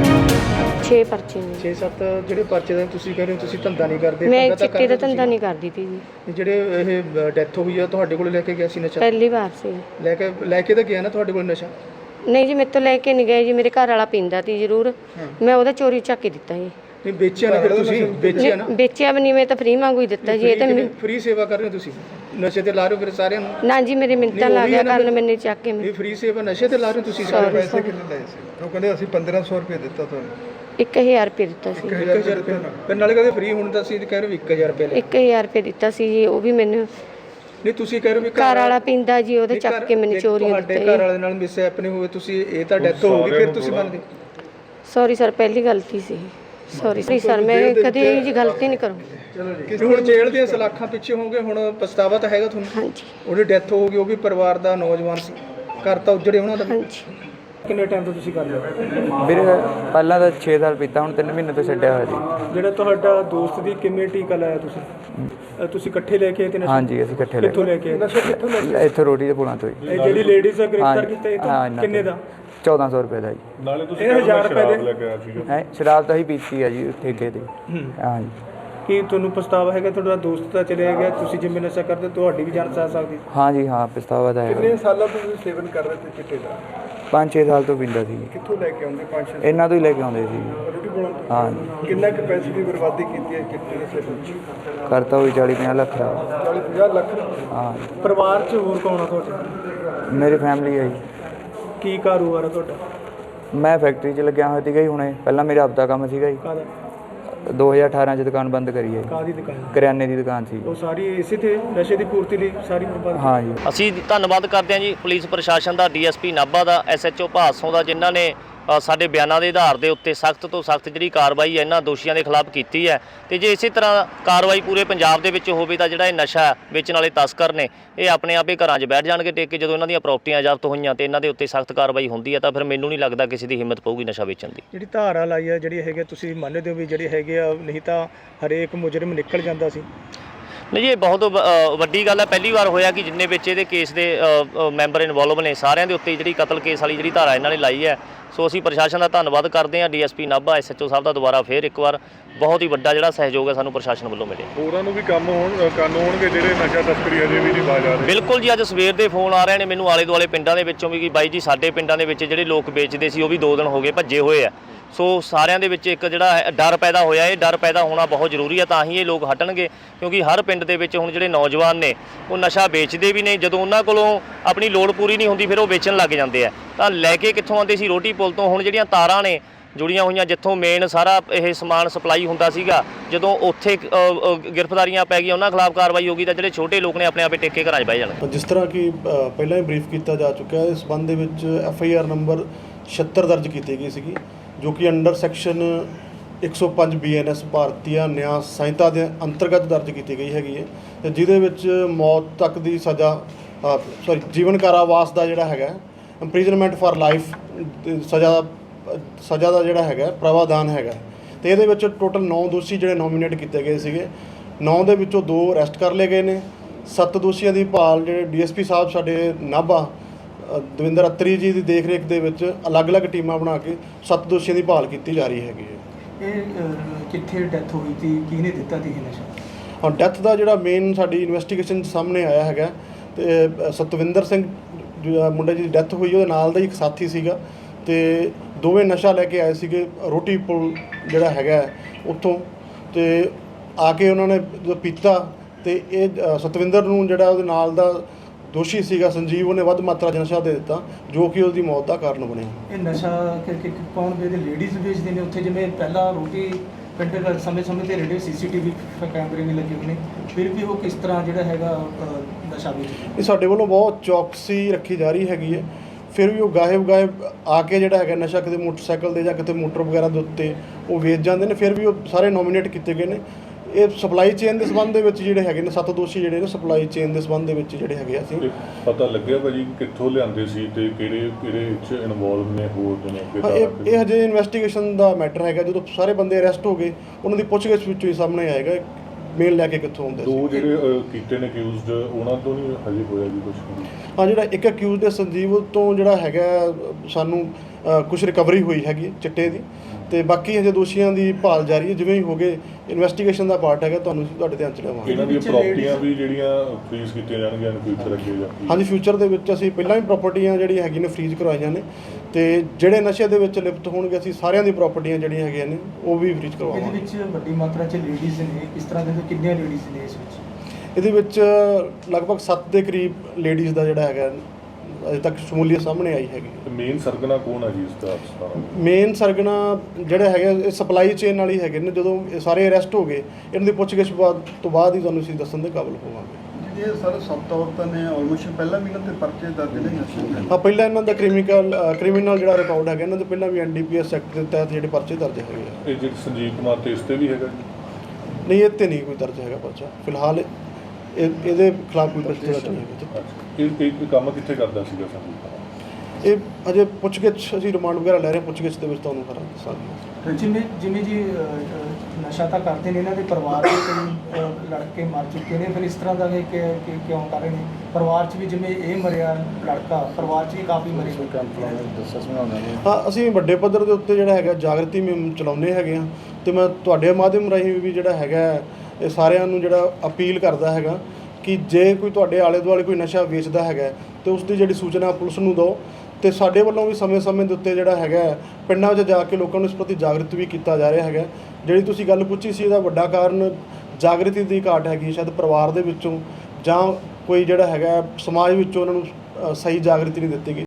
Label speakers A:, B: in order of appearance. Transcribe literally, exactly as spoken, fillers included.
A: ਛੇ ਪਰਚੇ ਨੇ।
B: ਛੇ ਸੱਤ ਜਿਹੜੇ ਪਰਚੇ ਦੇ ਤੁਸੀਂ ਕਹਿ ਰਹੇ ਹੋ ਤੁਸੀਂ ਧੰਦਾ ਨਹੀਂ ਕਰਦੇ?
A: ਮੈਂ ਚਿੱਟੇ ਦਾ ਧੰਦਾ ਨਹੀਂ ਕਰਦੀ ਤੀ ਜੀ।
B: ਜਿਹੜੇ ਇਹ ਡੈਥ ਹੋਈ ਆ ਤੁਹਾਡੇ ਕੋਲ ਲੈ ਕੇ ਗਿਆ ਸੀ ਨਸ਼ਾ?
A: ਪਹਿਲੀ ਵਾਰ ਸੀ।
B: ਲੈ ਕੇ ਲੈ ਕੇ ਤਾਂ ਗਿਆ ਨਾ ਤੁਹਾਡੇ ਕੋਲ ਨਸ਼ਾ?
A: ਨਹੀਂ ਜੀ, ਮੇਰੇ ਤੋਂ ਲੈ ਕੇ ਨਹੀਂ ਗਏ ਜੀ। ਮੇਰੇ ਘਰ ਵਾਲਾ ਪੀਂਦਾ ਤੀ ਜ਼ਰੂਰ, ਮੈਂ ਉਹਦਾ ਚੋਰੀ ਚੱਕ ਕੇ ਦਿੱਤਾ ਜੀ।
B: ਨਹੀਂ ਵੇਚਿਆ ਨਾ ਫਿਰ ਤੁਸੀਂ? ਵੇਚਿਆ ਨਾ?
A: ਵੇਚਿਆ ਵੀ ਨਹੀਂ, ਮੈਂ ਤਾਂ ਫ੍ਰੀ ਵਾਂਗੂ ਹੀ ਦਿੱਤਾ ਜੀ। ਇਹ ਤਾਂ
B: ਫ੍ਰੀ ਸੇਵਾ ਕਰ ਰਹੇ ਹੋ ਤੁਸੀਂ, ਨਸ਼ੇ ਤੇ ਲਾ ਰਹੇ ਹੋ ਫਿਰ ਸਾਰਿਆਂ ਨੂੰ?
A: ਨਾ ਜੀ, ਮੇਰੇ ਮਿੰਟਾਂ ਲਾ ਗਿਆ ਕਰਨ ਮੈਨੇ ਚੱਕ ਕੇ।
B: ਇਹ ਫ੍ਰੀ ਸੇਵਾ ਨਸ਼ੇ ਤੇ ਲਾ ਰਹੇ ਹੋ ਤੁਸੀਂ?
C: ਸਾਰੇ ਪੈਸੇ ਕਿੰਨੇ ਲਏ ਸੀ? ਉਹ ਕਹਿੰਦੇ ਅਸੀਂ ਪੰਦਰਾਂ ਸੌ ਰੁਪਏ ਦਿੱਤਾ ਤੁਹਾਨੂੰ।
A: ਇੱਕ ਹਜ਼ਾਰ ਰੁਪਏ ਦਿੱਤਾ ਸੀ।
B: ਇੱਕ ਹਜ਼ਾਰ ਰੁਪਏ ਫਿਰ ਨਾਲੇ ਕਹਿੰਦੇ ਫ੍ਰੀ ਹੁਣ ਤਾਂ ਅਸੀਂ ਕਹਿ ਰਹੇ ਇੱਕ ਹਜ਼ਾਰ ਰੁਪਏ।
A: ਇੱਕ ਹਜ਼ਾਰ ਰੁਪਏ ਦਿੱਤਾ ਸੀ ਜੀ, ਉਹ ਵੀ ਮੈਨੂੰ
B: ਨਹੀਂ ਤੁਸੀਂ ਕਹਿ ਰਹੇ ਹੋ ਵੀ
A: ਘਰ ਵਾਲਾ ਪੀਂਦਾ ਜੀ, ਉਹਦੇ ਚੱਕ ਕੇ ਮੈਨੂੰ ਚੋਰੀ ਦਿੱਤੇ।
B: ਤੁਹਾਡੇ ਘਰ ਵਾਲੇ ਨਾਲ ਮਿਸ ਹੈਪਨ ਹੋਵੇ, ਤੁਸੀਂ ਇਹ ਤਾਂ ਡੈਥ ਹੋ ਗਈ ਫਿਰ ਤੁਸੀਂ ਮੰਨਦੇ?
A: ਸੌਰੀ ਸਰ, ਪਹਿਲੀ ਗਲਤੀ ਸੀ। ਸੌਰੀ ਸਰ, ਮੈਂ ਕਦੇ ਇਹ ਜੀ ਗਲਤੀ ਨਹੀਂ ਕਰੂੰਗੀ।
B: ਚਲੋ ਜੀ, ਹੁਣ ਜੇਲ੍ਹ ਦੀਆਂ ਸਲਾਖਾਂ ਪਿੱਛੇ ਹੋਗੇ, ਹੁਣ ਪਛਤਾਵਾ ਤਾਂ ਹੈਗਾ ਤੁਹਾਨੂੰ?
A: ਹਾਂਜੀ।
B: ਉਹਦੀ ਡੈਥ ਹੋ ਗਈ, ਉਹ ਵੀ ਪਰਿਵਾਰ ਦਾ ਨੌਜਵਾਨ ਸੀ, ਘਰ ਤਾਂ ਉਜੜੇ ਉਹਨਾਂ ਦਾ।
A: ਹਾਂਜੀ।
B: ਕਿੰਨੇ ਟਾਈਮ ਤੋਂ ਤੁਸੀਂ ਕਰ ਰਹੇ ਹੋ?
D: ਵੀਰੇ ਪਹਿਲਾਂ ਤਾਂ ਛੇ ਸਾਲ ਪੀਤਾ, ਹੁਣ ਤਿੰਨ ਮਹੀਨੇ ਤੋਂ ਛੱਡਿਆ ਹੋਇਆ ਜੀ।
B: ਜਿਹੜਾ ਤੁਹਾਡਾ ਦੋਸਤ ਦੀ ਕਿਵੇਂ ਟੀਕਾ ਲਾਇਆ ਤੁਸੀਂ? ਤੁਸੀਂ ਇਕੱਠੇ ਲੈ ਕੇ ਆਏ ਤੇ ਨਸ਼ਾ?
D: ਹਾਂਜੀ, ਅਸੀਂ ਇਕੱਠੇ ਲੈ
B: ਕਿੱਥੋਂ ਲੈ ਕੇ ਆਏ? ਨਸ਼ਾ ਕਿੱਥੋਂ ਲੈ ਕੇ ਆਏ?
D: ਇੱਥੋਂ ਰੋਟੀ ਦੇ ਪੁਲਾਂ ਤੋਂ ਹੀ।
B: ਇਹ ਜਿਹੜੀ ਲੇਡੀਜ਼ ਦਾ ਗ੍ਰਿਫਤਾਰ ਕੀਤਾ ਇਹ
D: ਹਾਂ,
B: ਤਾਂ ਕਿੰਨੇ ਦਾ?
D: ਚੌਦਾਂ ਸੌ ਰੁਪਏ ਦਾ ਜੀ।
E: ਨਾਲੇ ਤੁਸੀਂ
B: ਇਹ ਹਜ਼ਾਰ ਰੁਪਏ ਦੇ
E: ਲੈ ਕੇ ਆਇਆ ਸੀਗਾ?
D: ਹੈ ਸ਼ਰਾਬ ਤਾਂ ਹੀ ਪੀਤੀ ਆ ਜੀ ਠੇਕੇ ਤੇ। ਹਾਂਜੀ।
B: ਕੀ ਤੁਹਾਨੂੰ ਪਛਤਾਵਾ ਹੈਗਾ? ਤੁਹਾਡਾ ਦੋਸਤ ਤਾਂ ਚਲਿਆ ਗਿਆ, ਤੁਸੀਂ ਜਿਵੇਂ ਨਸ਼ਾ ਕਰਦੇ ਤੁਹਾਡੀ ਵੀ ਜਾਨ ਜਾ ਸਕਦੀ?
D: ਹਾਂਜੀ ਹਾਂ, ਪਛਤਾਵਾ ਤਾਂ ਹੈ।
C: ਕਿੰਨੇ ਸਾਲਾਂ ਤੋਂ ਤੁਸੀਂ ਸੇਵਨ ਕਰ ਰਹੇ ਸੀ ਚਿੱਟੇ ਦਾ?
D: ਪੰਜ ਛੇ ਸਾਲ ਤੋਂ ਪੀਂਦਾ ਸੀ।
C: ਕਿੱਥੋਂ ਲੈ ਕੇ ਆਉਂਦੇ? ਪੰਜ ਛੇ
D: ਇਹਨਾਂ ਤੋਂ ਹੀ ਲੈ ਕੇ ਆਉਂਦੇ ਸੀ।
C: ਰੋਟੀ ਬਣਾਉਣ ਤੋਂ?
D: ਹਾਂ।
C: ਕਿੰਨਾ ਕੁ ਪੈਸੇ ਦੀ ਬਰਬਾਦੀ ਕੀਤੀ ਹੈ ਚਿੱਟੇ ਦੇ ਸੇਵਨ 'ਚ?
D: ਕਰਤਾ ਹੋਈ ਚਾਲੀ ਪੰਜਾਹ ਲੱਖ ਦਾ।
C: ਚਾਲੀ ਪੰਜਾਹ ਲੱਖ?
D: ਹਾਂ।
B: ਪਰਿਵਾਰ 'ਚ ਹੋਰ ਕੌਣ ਆ ਤੁਹਾਡੇ?
D: ਮੇਰੀ ਫੈਮਿਲੀ ਹੈ ਜੀ।
B: ਕੀ ਕਾਰੋਬਾਰ ਆ ਤੁਹਾਡਾ?
D: ਮੈਂ ਫੈਕਟਰੀ 'ਚ ਲੱਗਿਆ ਹੋਇਆ ਸੀਗਾ ਜੀ ਹੁਣੇ। ਪਹਿਲਾਂ ਮੇਰਾ ਆਪਦਾ ਕੰਮ ਸੀਗਾ ਜੀ।
B: ਕਾਹਦਾ?
D: ਦੋ ਹਜ਼ਾਰ ਅਠਾਰਾਂ 'ਚ ਦੁਕਾਨ ਬੰਦ ਕਰੀ ਹੈ।
B: ਕਾਹਦੀ ਦੁਕਾਨ?
D: ਕਰਿਆਨੇ ਦੀ ਦੁਕਾਨ ਸੀ।
B: ਉਹ ਸਾਰੀ ਇਸੇ ਤੇ ਨਸ਼ੇ ਦੀ ਪੂਰਤੀ ਲਈ ਸਾਰੀ ਬਰਬਾਦ?
D: ਹਾਂ ਜੀ।
F: ਅਸੀਂ ਧੰਨਵਾਦ ਕਰਦੇ ਹਾਂ ਜੀ ਪੁਲਿਸ ਪ੍ਰਸ਼ਾਸਨ ਦਾ, ਡੀਐਸਪੀ ਨਾਭਾ ਦਾ, ਐਸਐਚਓ ਭਾਸੋਂ ਦਾ, ਜਿਨ੍ਹਾਂ ਨੇ ਸਾਡੇ ਬਿਆਨਾਂ ਦੇ ਆਧਾਰ ਦੇ ਉੱਤੇ ਸਖਤ ਤੋਂ ਸਖਤ ਜਿਹੜੀ ਕਾਰਵਾਈ ਹੈ ਇਹਨਾਂ ਦੋਸ਼ੀਆਂ ਦੇ ਖਿਲਾਫ ਕੀਤੀ ਹੈ। ਤੇ ਜੇ ਇਸੇ ਤਰ੍ਹਾਂ ਕਾਰਵਾਈ ਪੂਰੇ ਪੰਜਾਬ ਦੇ ਵਿੱਚ ਹੋਵੇ ਤਾਂ ਜਿਹੜਾ ਇਹ ਨਸ਼ਾ ਵੇਚਣ ਵਾਲੇ ਤਸਕਰ ਨੇ ਇਹ ਆਪਣੇ ਆਪੇ ਘਰਾਂ 'ਚ ਬੈਠ ਜਾਣਗੇ ਟੇਕ ਕੇ। ਜਦੋਂ ਇਹਨਾਂ ਦੀਆਂ ਪ੍ਰਾਪਰਟੀਆਂ ਜ਼ਬਤ ਹੋਈਆਂ ਤੇ ਇਹਨਾਂ ਦੇ ਉੱਤੇ ਸਖਤ ਕਾਰਵਾਈ ਹੁੰਦੀ ਹੈ ਤਾਂ ਫਿਰ ਮੈਨੂੰ ਨਹੀਂ ਲੱਗਦਾ ਕਿਸੇ ਦੀ ਹਿੰਮਤ ਪਊਗੀ ਨਸ਼ਾ ਵੇਚਣ ਦੀ।
B: ਜਿਹੜੀ ਧਾਰਾ ਲਾਈ ਆ ਜਿਹੜੀ ਹੈਗੇ ਤੁਸੀਂ ਮੰਨਦੇ ਹੋ ਵੀ ਜਿਹੜੇ ਹੈਗੇ ਆ, ਨਹੀਂ ਤਾਂ ਹਰੇਕ ਮੁਜਰਮ ਨਿਕਲ ਜਾਂਦਾ ਸੀ?
F: ਨਹੀਂ ਜੀ, ਇਹ ਬਹੁਤ ਵੱਡੀ ਗੱਲ ਹੈ। ਪਹਿਲੀ ਵਾਰ ਹੋਇਆ ਕਿ ਜਿੰਨੇ ਵਿੱਚ ਇਹਦੇ ਕੇਸ ਦੇ ਮੈਂਬਰ ਇਨਵੋਲਵ ਨੇ ਸਾਰਿਆਂ ਦੇ ਉੱਤੇ ਜਿਹੜੀ ਕਤਲ ਕੇਸ ਵਾਲੀ ਜਿਹੜੀ ਧਾਰਾ ਇਹਨਾਂ ਨੇ ਲਾਈ ਹੈ। ਸੋ ਅਸੀਂ ਪ੍ਰਸ਼ਾਸਨ ਦਾ ਧੰਨਵਾਦ ਕਰਦੇ ਹਾਂ, ਡੀਐਸਪੀ ਨਾਭਾ, ਐਸਐਚਓ ਸਾਹਿਬ ਦਾ ਦੁਬਾਰਾ ਫੇਰ ਇੱਕ ਵਾਰ ਬਹੁਤ ਹੀ ਵੱਡਾ ਜਿਹੜਾ ਸਹਿਯੋਗ ਹੈ ਸਾਨੂੰ ਪ੍ਰਸ਼ਾਸਨ ਵੱਲੋਂ ਮਿਲਿਆ।
E: ਹੋਰਾਂ ਨੂੰ ਵੀ ਕੰਮ ਹੋਣ ਕੰਨ ਹੋਣਗੇ ਜਿਹੜੇ ਨਸ਼ਾ ਤਸਕਰੀ ਅਜੇ ਵੀ ਨਹੀਂ ਬਾਜ਼ ਆ ਰਹੇ?
F: ਬਿਲਕੁਲ ਜੀ, ਅੱਜ ਸਵੇਰ ਦੇ ਫੋਨ ਆ ਰਹੇ ਨੇ ਮੈਨੂੰ ਆਲੇ ਦੁਆਲੇ ਪਿੰਡਾਂ ਦੇ ਵਿੱਚੋਂ ਵੀ ਕਿ ਬਾਈ ਜੀ ਸਾਡੇ ਪਿੰਡਾਂ ਦੇ ਵਿੱਚ ਜਿਹੜੇ ਲੋਕ ਵੇਚਦੇ ਸੀ ਉਹ ਵੀ ਦੋ ਦਿਨ ਹੋ ਗਏ ਭੱਜੇ ਹੋਏ ਆ। ਸੋ ਸਾਰਿਆਂ ਦੇ ਵਿੱਚ ਇੱਕ ਜਿਹੜਾ ਡਰ ਪੈਦਾ ਹੋਇਆ, ਇਹ ਡਰ ਪੈਦਾ ਹੋਣਾ ਬਹੁਤ ਜ਼ਰੂਰੀ ਹੈ, ਤਾਂ ਹੀ ਇਹ ਲੋਕ ਹਟਣਗੇ। ਕਿਉਂਕਿ ਹਰ ਪਿੰਡ ਦੇ ਵਿੱਚ ਹੁਣ ਜਿਹੜੇ ਨੌਜਵਾਨ ਨੇ ਉਹ ਨਸ਼ਾ ਵੇਚਦੇ ਵੀ ਨੇ, ਜਦੋਂ ਉਹਨਾਂ ਕੋਲੋਂ ਆਪਣੀ ਲੋੜ ਪੂਰੀ ਨਹੀਂ ਹੁੰਦੀ ਫਿਰ ਉਹ ਵੇਚਣ ਲੱਗ ਜਾਂਦੇ ਆ। ਤਾਂ ਲੈ ਕੇ ਕਿੱਥੋਂ ਆਉਂਦੇ ਸੀ? ਰੋਟੀ ਪੁਲ ਤੋਂ। ਹੁਣ ਜਿਹੜੀਆਂ ਤਾਰਾਂ ਨੇ ਜੁੜੀਆਂ ਹੋਈਆਂ ਜਿੱਥੋਂ ਮੇਨ ਸਾਰਾ ਇਹ ਸਮਾਨ ਸਪਲਾਈ ਹੁੰਦਾ ਸੀਗਾ, ਜਦੋਂ ਉੱਥੇ ਗ੍ਰਿਫਤਾਰੀਆਂ ਪੈ ਗਈਆਂ, ਉਹਨਾਂ ਖਿਲਾਫ ਕਾਰਵਾਈ ਹੋ ਗਈ ਤਾਂ ਜਿਹੜੇ ਛੋਟੇ ਲੋਕ ਨੇ ਆਪਣੇ ਆਪੇ ਟੇਕੇ ਘਰਾਂ 'ਚ ਬਹਿ ਜਾਣ।
G: ਜਿਸ ਤਰ੍ਹਾਂ ਕਿ ਪਹਿਲਾਂ ਹੀ ਬਰੀਫ ਕੀਤਾ ਜਾ ਚੁੱਕਿਆ ਹੈ, ਇਸ ਸੰਬੰਧ ਦੇ ਵਿੱਚ ਐਫ ਆਈ ਆਰ ਨੰਬਰ ਛਿਹੱਤਰ ਦਰਜ ਕੀਤੀ ਗਈ ਸੀਗੀ, ਜੋ ਕਿ ਅੰਡਰ ਸੈਕਸ਼ਨ ਇੱਕ ਸੌ ਪੰਜ ਬੀ ਐਨ ਐਸ ਭਾਰਤੀ ਨਿਆਂ ਸੰਹਿਤਾ ਦੇ ਅੰਤਰਗਤ ਦਰਜ ਕੀਤੀ ਗਈ ਹੈਗੀ ਹੈ, ਤੇ ਜਿਹਦੇ ਵਿੱਚ ਮੌਤ ਤੱਕ ਦੀ ਸਜ਼ਾ ਸੌਰੀ ਜੀਵਨ ਕਾਰਾਵਾਸ ਦਾ ਜਿਹੜਾ ਹੈਗਾ ਇੰਪ੍ਰਿਜ਼ਨਮੈਂਟ ਫਾਰ ਲਾਈਫ ਸਜ਼ਾ ਸਜ਼ਾ ਦਾ ਜਿਹੜਾ ਹੈਗਾ ਪ੍ਰਾਵਧਾਨ ਹੈਗਾ। ਤੇ ਇਹਦੇ ਵਿੱਚ ਟੋਟਲ ਨੌ ਦੋਸ਼ੀ ਜਿਹੜੇ ਨੋਮੀਨੇਟ ਕੀਤੇ ਗਏ ਸੀਗੇ, ਨੌ ਦੇ ਵਿੱਚੋਂ ਦੋ ਅਰੈਸਟ ਕਰ ਲਏ ਗਏ ਨੇ। ਸੱਤ ਦੋਸ਼ੀਆਂ ਦੀ ਭਾਲ ਜਿਹੜੇ ਡੀ ਐਸ ਪੀ ਸਾਹਿਬ ਸਾਡੇ ਨਾਭਾ ਦਵਿੰਦਰ ਅੱਤਰੀ ਜੀ ਦੀ ਦੇਖ ਰੇਖ ਦੇ ਵਿੱਚ ਅਲੱਗ-ਅਲੱਗ ਟੀਮਾਂ ਬਣਾ ਕੇ ਸੱਤ ਦੋਸ਼ੀਆਂ ਦੀ ਭਾਲ ਕੀਤੀ ਜਾ ਰਹੀ ਹੈਗੀ ਹੈ।
B: ਇਹ ਕਿੱਥੇ ਡੈਥ ਹੋਈ ਸੀ, ਕਿਹਨੇ ਦਿੱਤਾ ਸੀ ਇਹ ਨਸ਼ਾ?
G: ਹਾਂ, ਡੈਥ ਦਾ ਜਿਹੜਾ ਮੇਨ ਸਾਡੀ ਇਨਵੈਸਟੀਗੇਸ਼ਨ ਸਾਹਮਣੇ ਆਇਆ ਹੈਗਾ, ਤੇ ਸਤਵਿੰਦਰ ਸਿੰਘ ਜੋ ਮੁੰਡੇ ਜੀ ਦੀ ਡੈਥ ਹੋਈ ਉਹਦੇ ਨਾਲ ਦਾ ਹੀ ਇੱਕ ਸਾਥੀ ਸੀਗਾ, ਤੇ ਦੋਵੇਂ ਨਸ਼ਾ ਲੈ ਕੇ ਆਏ ਸੀਗੇ ਰੋਟੀ ਪੁਲ ਜਿਹੜਾ ਹੈਗਾ ਉੱਥੋਂ, ਤੇ ਆ ਕੇ ਉਹਨਾਂ ਨੇ ਜਦੋਂ ਪੀਤਾ ਤੇ ਇਹ ਸਤਵਿੰਦਰ ਨੂੰ ਜਿਹੜਾ ਉਹਦੇ ਨਾਲ ਦਾ ਦੋਸ਼ੀ ਸੀਗਾ ਸੰਜੀਵ, ਉਹਨੇ ਵੱਧ ਮਾਤਰਾ 'ਚ ਨਸ਼ਾ ਦੇ ਦਿੱਤਾ ਜੋ ਕਿ ਉਹਦੀ ਮੌਤ ਦਾ ਕਾਰਨ ਬਣਿਆ।
B: ਇਹ ਨਸ਼ਾ ਕਰਕੇ ਕੌਣ ਵੇਚਦੇ? ਲੇਡੀਜ਼ ਵੇਚਦੇ ਨੇ ਉੱਥੇ? ਜਿਵੇਂ ਪਹਿਲਾਂ ਰੋਟੀ ਪਿੰਡ ਸਮੇਂ ਸਮੇਂ 'ਤੇ ਰੇਡੀਓ ਸੀ ਸੀ ਟੀ ਵੀ ਕੈਮਰੇ ਵੀ ਲੱਗੇ ਹੋਏ ਨੇ, ਫਿਰ ਵੀ ਉਹ ਕਿਸ ਤਰ੍ਹਾਂ ਜਿਹੜਾ ਹੈਗਾ ਨਸ਼ਾ ਵੇਚਦੇ?
G: ਇਹ ਸਾਡੇ ਵੱਲੋਂ ਬਹੁਤ ਚੌਕਸੀ ਰੱਖੀ ਜਾ ਰਹੀ ਹੈਗੀ ਹੈ, ਫਿਰ ਵੀ ਉਹ ਗਾਇਬ ਗਾਇਬ ਆ ਕੇ ਜਿਹੜਾ ਹੈਗਾ ਨਸ਼ਾ ਕਿਤੇ ਮੋਟਰਸਾਈਕਲ ਦੇ ਜਾਂ ਕਿਤੇ ਮੋਟਰ ਵਗੈਰਾ ਦੇ ਉੱਤੇ ਉਹ ਵੇਚ ਜਾਂਦੇ ਨੇ, ਫਿਰ ਵੀ ਉਹ ਸਾਰੇ ਨੋਮੀਨੇਟ ਕੀਤੇ ਗਏ ਨੇ। ਇਹ ਸਪਲਾਈ ਚੇਨ ਦੇ ਸੰਬੰਧ ਦੇ ਵਿੱਚ ਜਿਹੜੇ ਹੈਗੇ ਨੇ ਸੱਤ ਦੋਸ਼ੀ ਜਿਹੜੇ ਨੇ ਸਪਲਾਈ ਚੇਨ ਦੇ ਸੰਬੰਧ ਦੇ ਵਿੱਚ ਜਿਹੜੇ ਹੈਗੇ ਅਸੀਂ
E: ਪਤਾ ਲੱਗਿਆ ਭਾਜੀ ਕਿੱਥੋਂ ਲਿਆਂਦੇ ਸੀ ਤੇ ਕਿਹੜੇ ਕਿਹੜੇ ਵਿੱਚ ਇਨਵੋਲਵ ਨੇ ਹੋਰ
G: ਹਾਂ, ਇਹ ਇਹ ਹਜੇ ਇਨਵੈਸਟੀਗੇਸ਼ਨ ਦਾ ਮੈਟਰ ਹੈਗਾ। ਜਦੋਂ ਸਾਰੇ ਬੰਦੇ ਅਰੈਸਟ ਹੋ ਗਏ ਉਹਨਾਂ ਦੀ ਪੁੱਛਗਿੱਛ ਵਿੱਚੋਂ ਹੀ ਸਾਹਮਣੇ ਆਏਗਾ ਮੇਲ ਲੈ ਕੇ ਕਿੱਥੋਂ ਆਉਂਦੇ ਸੀ।
E: ਦੋ ਜਿਹੜੇ ਕੀਤੇ ਨੇ ਅਕਿਊਜ਼ਡ ਉਹਨਾਂ ਤੋਂ ਨਹੀਂ ਹਜੇ ਹੋਇਆ ਜੀ ਕੁਝ?
G: ਹਾਂ, ਜਿਹੜਾ ਇੱਕ ਅਕਿਊਜ਼ਡ ਹੈ ਸੰਜੀਵ ਤੋਂ ਜਿਹੜਾ ਹੈਗਾ ਸਾਨੂੰ ਕੁਝ ਰਿਕਵਰੀ ਹੋਈ ਹੈਗੀ ਚਿੱਟੇ ਦੀ, ਤੇ ਬਾਕੀ ਹਜੇ ਦੋਸ਼ੀਆਂ ਦੀ ਭਾਲ ਜਾਰੀ ਹੈ। ਜਿਵੇਂ ਹੀ ਹੋ ਗਏ ਇਨਵੈਸਟੀਗੇਸ਼ਨ ਦਾ ਪਾਰਟ ਹੈਗਾ, ਤੁਹਾਨੂੰ ਤੁਹਾਡੇ ਧਿਆਨ ਚ ਲਿਆਵਾਂਗੇ।
E: ਇਹਨਾਂ ਦੀਆਂ ਪ੍ਰਾਪਰਟੀਆਂ ਵੀ ਜਿਹੜੀਆਂ ਫ੍ਰੀਜ਼ ਕੀਤੀਆਂ ਜਾਣਗੀਆਂ ਇਨ ਫਿਊਚਰ ਅੱਗੇ ਜਾ ਕੇ?
G: ਹਾਂਜੀ, ਫਿਊਚਰ ਦੇ ਵਿੱਚ ਅਸੀਂ ਪਹਿਲਾਂ ਵੀ ਪ੍ਰਾਪਰਟੀਆਂ ਜਿਹੜੀਆਂ ਹੈਗੀਆਂ ਨੇ ਫ੍ਰੀਜ਼ ਕਰਵਾਈਆਂ ਨੇ, ਤੇ ਜਿਹੜੇ ਨਸ਼ੇ ਦੇ ਵਿੱਚ ਲਿਪਤ ਹੋਣਗੇ ਅਸੀਂ ਸਾਰਿਆਂ ਦੀ ਪ੍ਰਾਪਰਟੀਆਂ ਜਿਹੜੀਆਂ ਹੈਗੀਆਂ ਨੇ ਉਹ ਵੀ ਫ੍ਰੀਜ਼
B: ਇਹਦੇ
G: ਕਰਵਾਵਾਂਗੇ।
B: ਵਿੱਚ ਵੱਡੀ ਮਾਤਰਾ 'ਚ ਲੇਡੀਜ਼ ਨੇ, ਕਿਸ ਤਰ੍ਹਾਂ ਦੇ ਕਿੰਨੀਆਂ ਲੇਡੀਜ਼ ਨੇ ਇਸ ਵਿੱਚ?
G: ਇਹਦੇ ਵਿੱਚ ਲਗਭਗ ਸੱਤ ਦੇ ਕਰੀਬ ਲੇਡੀਜ਼ ਦਾ ਜਿਹੜਾ ਹੈਗਾ ਅਜੇ ਤੱਕ ਸ਼ਮੂਲੀਅਤ ਸਾਹਮਣੇ ਆਈ ਹੈਗੀ।
E: ਮੇਨ ਸਰਗਨਾ ਕੌਣ ਹੈ ਜੀ ਇਸ ਦਾ ਸਾਰਾ?
G: ਮੇਨ ਸਰਗਨਾ ਜਿਹੜੇ ਹੈਗੇ ਇਹ ਸਪਲਾਈ ਚੇਨ ਵਾਲੀ ਹੈਗੇ ਨੇ। ਜਦੋਂ ਇਹ ਸਾਰੇ ਅਰੈਸਟ ਹੋ ਗਏ, ਇਹਨਾਂ ਦੀ ਪੁੱਛਗਿੱਛ ਬਾਅਦ ਤੋਂ ਬਾਅਦ ਹੀ ਤੁਹਾਨੂੰ ਅਸੀਂ ਦੱਸਣ ਦੇ ਕਾਬਿਲ ਹੋਵਾਂਗੇ।
C: ਇਹ ਸਾਰੇ ਸੱਤ ਔਰਤਾਂ ਨੇ ਆਲਮੋਸਟ ਪਹਿਲਾਂ ਵੀ ਇਹਨਾਂ ਤੇ ਪਰਚੇ ਦਰਜ ਨੇ ਨਸ਼ੇ ਦੇ।
G: ਹਾਂ, ਪਹਿਲਾਂ ਇਹਨਾਂ ਦਾ ਕ੍ਰਿਮੀਨਲ ਕ੍ਰਿਮੀਨਲ ਜਿਹੜਾ ਰਿਕਾਰਡ ਹੈਗਾ ਇਹਨਾਂ ਦੇ ਪਹਿਲਾਂ ਵੀ N D P S act ਦੇ ਤਹਿਤ ਜਿਹੜੇ ਪਰਚੇ ਦਰਜ ਹੈਗੇ ਆ।
E: ਇਹ ਜਿਹੜੇ ਸੰਜੀਵ ਕੁਮਾਰ ਤੇ ਇਸ ਤੇ ਵੀ ਹੈਗਾ ਜੀ?
G: ਨਹੀਂ, ਇਹ 'ਤੇ ਨਹੀਂ ਕੋਈ ਦਰਜ ਹੈਗਾ ਪਰਚਾ ਫਿਲਹਾਲ। ਇਹ ਇਹਦੇ ਖਿਲਾਫ ਕੋਈ ਪਰਚਾ ਦਰਜ ਨਹੀਂ ਹੈਗਾ।
E: ਅੱਛਾ, ਇਹ ਇਹ ਕੰਮ ਕਿੱਥੇ ਕਰਦਾ ਸੀਗਾ ਸੰਜੀਵ ਕੁਮਾਰ?
G: ਇਹ ਅਜੇ ਪੁੱਛਗਿੱਛ ਅਸੀਂ ਰਿਮਾਂਡ ਵਗੈਰਾ ਲੈ ਰਹੇ ਹਾਂ, ਪੁੱਛਗਿੱਛ ਦੇ ਵਿੱਚ ਤੁਹਾਨੂੰ ਸਾਰਾ ਦੱਸਾਂਗੇ।
B: ਜਿਵੇਂ ਜਿਵੇਂ ਜੀ ਅ, ਅ, ਨਸ਼ਾ ਤਾਂ ਕਰਦੇ ਨੇ, ਇਹਨਾਂ ਦੇ ਪਰਿਵਾਰ ਦੇ ਕਈ ਅ, ਲੜਕੇ ਮਰ ਚੁੱਕੇ ਨੇ, ਫਿਰ ਇਸ ਤਰ੍ਹਾਂ ਦਾ ਇਹ ਕਿ ਕਿ ਕਿਉਂ ਕਰ ਰਹੇ ਨੇ? ਪਰਿਵਾਰ 'ਚ ਵੀ ਜਿਵੇਂ ਇਹ ਮਰਿਆ ਲੜਕਾ, ਪਰਿਵਾਰ 'ਚ ਵੀ ਕਾਫੀ ਮਰੇ ਹੋਏ।
G: ਹਾਂ, ਅਸੀਂ ਵੱਡੇ ਪੱਧਰ ਦੇ ਉੱਤੇ ਜਿਹੜਾ ਹੈਗਾ ਜਾਗਰਤੀ ਮੁਹਿੰਮ ਚਲਾਉਂਦੇ ਹੈਗੇ ਆ, ਤੇ ਮੈਂ ਤੁਹਾਡੇ ਮਾਧਿਅਮ ਰਾਹੀਂ ਵੀ ਜਿਹੜਾ ਹੈਗਾ ਇਹ ਸਾਰਿਆਂ ਨੂੰ ਜਿਹੜਾ ਅਪੀਲ ਕਰਦਾ ਹੈਗਾ ਕਿ ਜੇ ਕੋਈ ਤੁਹਾਡੇ ਆਲੇ ਦੁਆਲੇ ਕੋਈ ਨਸ਼ਾ ਵੇਚਦਾ ਹੈਗਾ ਤੇ ਉਸ ਦੀ ਜਿਹੜੀ ਸੂਚਨਾ ਪੁਲਿਸ ਨੂੰ ਦਿਓ, ਤੇ ਸਾਡੇ ਵੱਲੋਂ ਵੀ ਸਮੇਂ-ਸਮੇਂ ਦੇ ਉੱਤੇ ਜਿਹੜਾ ਹੈਗਾ ਪਿੰਡਾਂ 'ਚ ਜਾ ਕੇ ਲੋਕਾਂ ਨੂੰ ਇਸ ਪ੍ਰਤੀ ਜਾਗਰਿਤ ਵੀ ਕੀਤਾ ਜਾ ਰਿਹਾ ਹੈਗਾ। ਜਿਹੜੀ ਤੁਸੀਂ ਗੱਲ ਪੁੱਛੀ ਸੀ, ਇਹਦਾ ਵੱਡਾ ਕਾਰਨ ਜਾਗਰਿਤੀ ਦੀ ਘਾਟ ਹੈਗੀ, ਸ਼ਾਇਦ ਪਰਿਵਾਰ ਦੇ ਵਿੱਚੋਂ ਜਾਂ ਕੋਈ ਜਿਹੜਾ ਹੈਗਾ ਸਮਾਜ ਵਿੱਚੋਂ ਉਹਨਾਂ ਨੂੰ ਅ, ਸਹੀ ਜਾਗਰਿਤੀ ਨਹੀਂ ਦਿੱਤੀ ਗਈ।